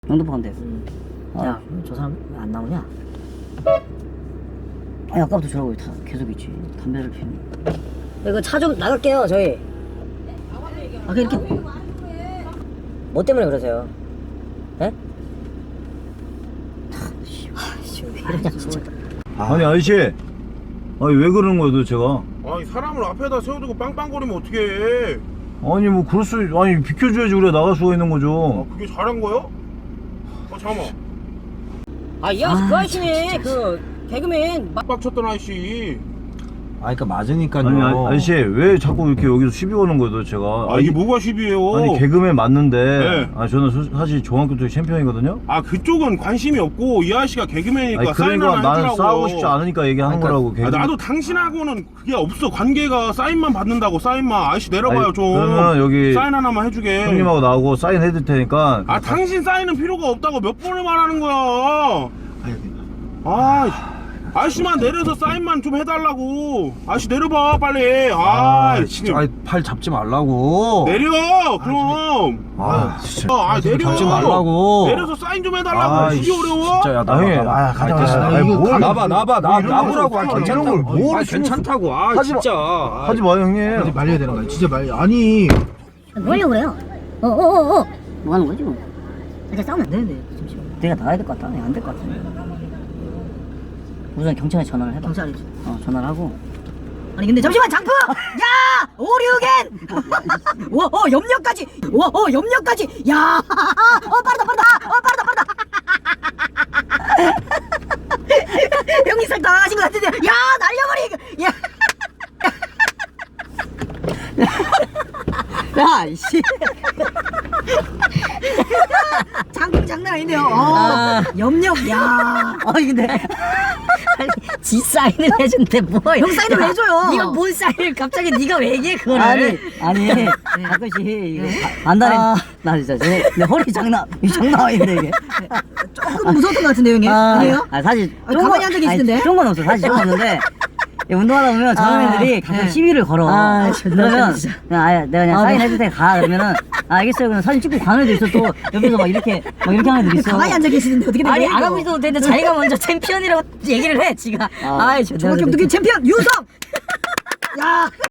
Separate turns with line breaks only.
영등포 간대.
야, 저 사람 왜 안 나오냐?
아니 아까부터 저러고 다 계속 있지. 담배를 피우니.
이거 차 좀 나갈게요, 저희. 아, 이렇게 뭐 때문에 그러세요? 예? 씨, 왜 이러냐 진짜.
아니 아저씨, 아니 왜 그러는 거야 도대체가?
아니 사람을 앞에다 세워두고 빵빵거리면 어떡해.
아니 뭐 그럴 수, 아니 비켜줘야지 그래 나갈 수가 있는 거죠.
아 그게 잘한 거야? 잠깐만.
아, 이 아저씨 그 아저씨네. 그 개그맨.
빡쳤던 아저씨.
아, 그러니까 맞으니까요.
아니 아저씨 왜 자꾸 이렇게 여기서 시비 거는 거야 도대체가?
아 이게 뭐가 시비예요?
아니 개그맨 맞는데,
네.
아 저는 사실 중학교 때 챔피언이거든요.
아 그쪽은 관심이 없고 이 아저씨가 개그맨이니까
아니
사인
그러니까
하나
나는
해주라고.
싸우고 싶지 않으니까 얘기하는
그러니까,
거라고.
아,
개그맨.
나도 당신하고는 그게 없어. 관계가 사인만 받는다고. 사인만. 아저씨 내려봐요.
아니,
좀
그러면 여기
사인 하나만 해주게.
형님하고 나오고 사인 해줄 테니까.
아 당신 사인은 필요가 없다고 몇 번을 말하는 거야. 아 아저씨만 내려서 사인만 좀 해달라고. 아저씨 내려봐 빨리.
아,
지금
진짜. 팔 잡지 말라고.
내려 그럼.
아, 진짜.
아 내려.
잡지 말라고.
내려서 사인 좀 해달라고.
아,
그게 어려워?
진짜. 야,
아, 형님,
나봐.
가자,
됐어.
가자. 아니, 뭘.
나보라고. 아,
이런
괜찮다고.
걸 뭘
아, 괜찮다고. 아,
하지 마.
진짜.
하지 마요 형님.
말려야 되는 거야. 진짜 말려. 아니.
뭐 하려고 그래요? 어어어어.
뭐 하는 거지 뭐?
이제 싸우면 안 되는데, 잠시만.
내가 나가야 될 것 같다. 안 될 것 같아. 우선 경찰에 전화를 해봐.
경찰이지.
전화를 하고.
아니 근데 잠시만 장프! 야! 오류겐! 염려까지! 염려까지! 야! 빠르다! 형님 살 당하신 것 같은데, 야! 날려버리! 야!
야 이씨.
장풍 장난 아닌데요. 염력, 야!
근데 지 사인을 해준대 뭐?
형 사인을 왜 줘요?
네가 뭔 사인을 갑자기 네가 왜 얘기해 그거를? 아니 가끔씩 이거 안달에 나 진짜 내 허리 장난 아닌데 이게.
조금 무서웠던 것 같은데, 형님? 아니에요?
사실
가만히 앉아 계시던데?
좋은 건 없어. 사실 좋은 건 없는데 운동하다 보면 저런 애들이 가끔 시비를 걸어. 그러면 그냥 내가 그냥 사인 해줄 테니까 가. 그러면은 알겠어요. 그냥 사진 찍고 가는 애도 있어. 또 옆에서 막 이렇게 하는 애들 있어.
가만히 앉아 계시는데 어떻게 된
아니
거예요?
알아보지도 못했는데 자기가 먼저 챔피언이라고 얘기를 해 지가.
중학교 어떻게 챔피언 유성! 야!